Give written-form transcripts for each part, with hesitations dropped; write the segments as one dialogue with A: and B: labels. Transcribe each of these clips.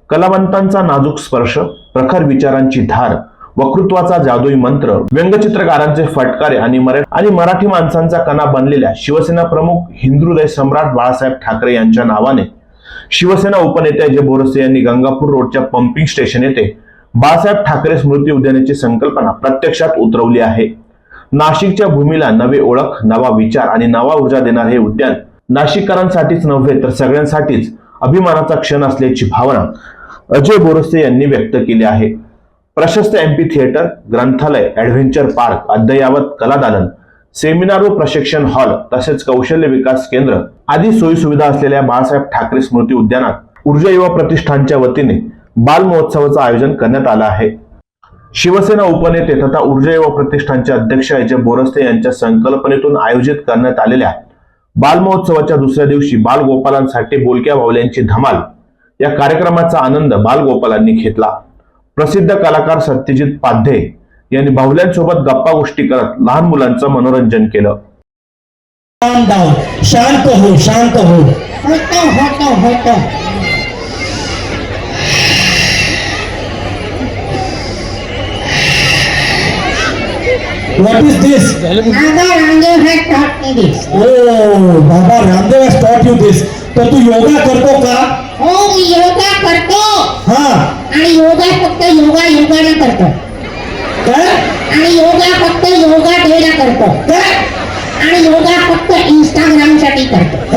A: कलावंतांचा नाजूक स्पर्श, प्रखर विचारांची धार, वक्तृत्वाचा जादुई मंत्र, व्यंगचित्रकारांचे फटकारे आणि मराठी माणसांचा कणा बनलेल्या शिवसेना प्रमुख हिंदुहृदय सम्राट बाळासाहेब ठाकरे यांच्या नावाने शिवसेना उपनेते अजय बोरसे यांनी गंगापूर रोडच्या पंपिंग स्टेशन येथे बाळासाहेब ठाकरे स्मृती उद्यानाची संकल्पना प्रत्यक्षात उतरवली आहे. नाशिकच्या भूमीला नवे ओळख, नवा विचार आणि नवा ऊर्जा देणारे हे उद्यान नाशिककरांसाठीच नव्हे तर सगळ्यांसाठीच अभिमानाचा क्षण असल्याची भावना अजय बोरसे यांनी व्यक्त केली आहे. प्रशस्त एम्पी थिएटर, ग्रंथालय, ऍडव्हेंचर पार्क, अद्ययावत कलादालन, सेमिनार व प्रशिक्षण हॉल तसेच कौशल्य विकास केंद्र आदी सोयी सुविधा असलेल्या बाळासाहेब ठाकरे स्मृती उद्यानात ऊर्जा युवा प्रतिष्ठानच्या वतीने बाल महोत्सवाचं आयोजन करण्यात आलं आहे. शिवसेना उपनेते तथा ऊर्जा युवा प्रतिष्ठानचे अध्यक्ष अजय बोरसे यांच्या संकल्पनेतून आयोजित करण्यात आलेल्या बाल महोत्सवाच्या दुसऱ्या दिवशी बालगोपालांसाठी बोलक्या बाहुल्यांची धमाल या कार्यक्रमाचा आनंद बालगोपालांनी घेतला. प्रसिद्ध कलाकार सत्यजित पाध्ये यांनी बाहुल्यांसोबत गप्पा गोष्टी करत लहान मुलांचं मनोरंजन केलं.
B: शांत हो, शांत हो. होतो. What is this?
C: Baba Ramdev has taught me this.
B: Oh, Baba Ramdev has taught you this. तर तू योगा करतो का?
C: हो, मी योगा करतो.
B: हाँ.
C: आणि योगा फक्त योगाने करतो.
B: काय?
C: आणि योगा फक्त योगा डेला करतो.
B: काय?
C: आणि योगा फक्त इंस्टाग्राम साठी करतो.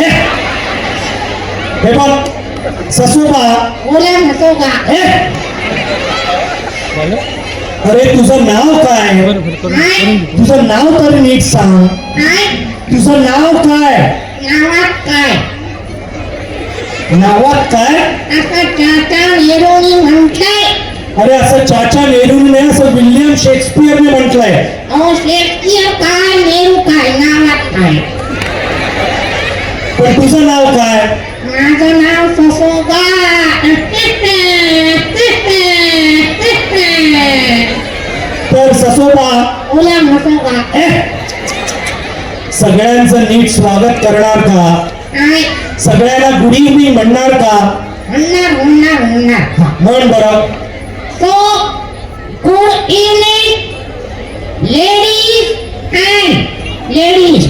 B: हे बघ, ससुबा.
C: बोला नसोगा.
B: अरे तुझं नाव काय? तुझं नाव तर नीट सांग. तुझं नाव काय? नावात काय?
C: असं चाचा नेहरूनी म्हटलंय.
B: अरे असं चाचा नेहरूने असं विल्यम शेक्सपियरने म्हटलंय.
C: अहो, शेक्सपियर काय, नेहरू काय, नावात काय?
B: पण तुझं नाव काय?
C: माझं नाव ससोगा.
B: तर ससोबा.
C: बोला नसोगा.
B: सगळ्यांचं नीट स्वागत करणार का? सगळ्यांना गुड इव्हनिंग म्हणणार का?
C: म्हणणार.
B: म्हण बरं.
C: So, good evening, ladies and ladies.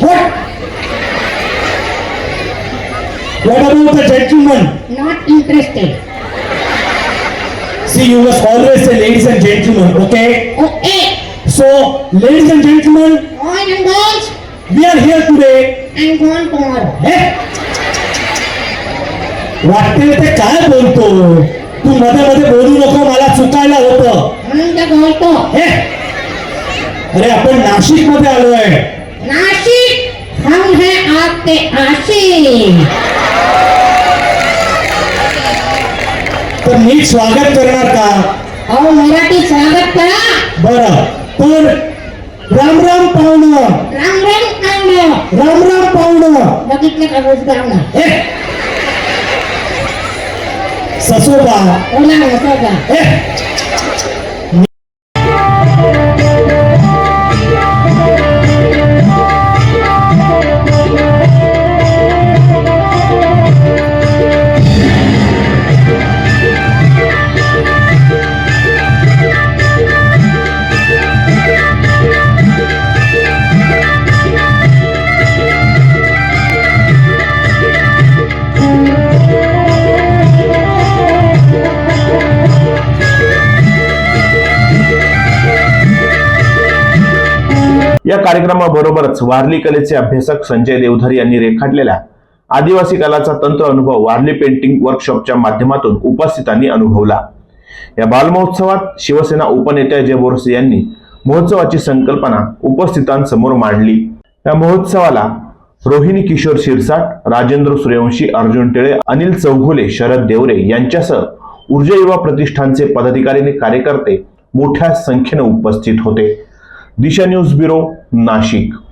B: What about the gentlemen?
C: Not interested.
B: See, you must always say ladies and gentlemen, okay?
C: Okay.
B: So, ladies and gentlemen,
C: Boys and girls,
B: we are here today.
C: and gone tomorrow.
B: वाटते ते काय बोलतो? तू मध्ये मध्ये बोलू नको, मला चुकायला होतं.
C: म्हणून तर बोलतो.
B: अरे आपण नाशिक मध्ये आलोय.
C: नाशिक, हम है आपके आशिक.
B: तर नीट स्वागत करणार का?
C: अहो, मराठी स्वागत करा.
B: बरं, पण राम राम पाहुणं.
C: राम राम पाहुणं.
B: राम राम पाहुणं.
C: बघितलं का रोजगार?
B: ससोबा.
C: बोला नसोगा.
A: या कार्यक्रमाबरोबरच वारली कलेचे अभ्यासक संजय देवधर यांनी रेखाटलेल्या आदिवासी कलाचा तंत्र अनुभव वारली पेंटिंग वर्कशॉपच्या माध्यमातून उपस्थितांनी अनुभवला. या बालमहोत्सवात शिवसेना उपनेते अजय बोरसे यांनी महोत्सवाची संकल्पना उपस्थितांसमोर मांडली. या महोत्सवाला रोहिणी किशोर शिरसाट, राजेंद्र सूर्यवंशी, अर्जुन टिळे, अनिल चौघुले, शरद देवरे यांच्यासह ऊर्जा युवा प्रतिष्ठानचे पदाधिकारी आणि कार्यकर्ते मोठ्या संख्येने उपस्थित होते. Disha news bureau, Nashik.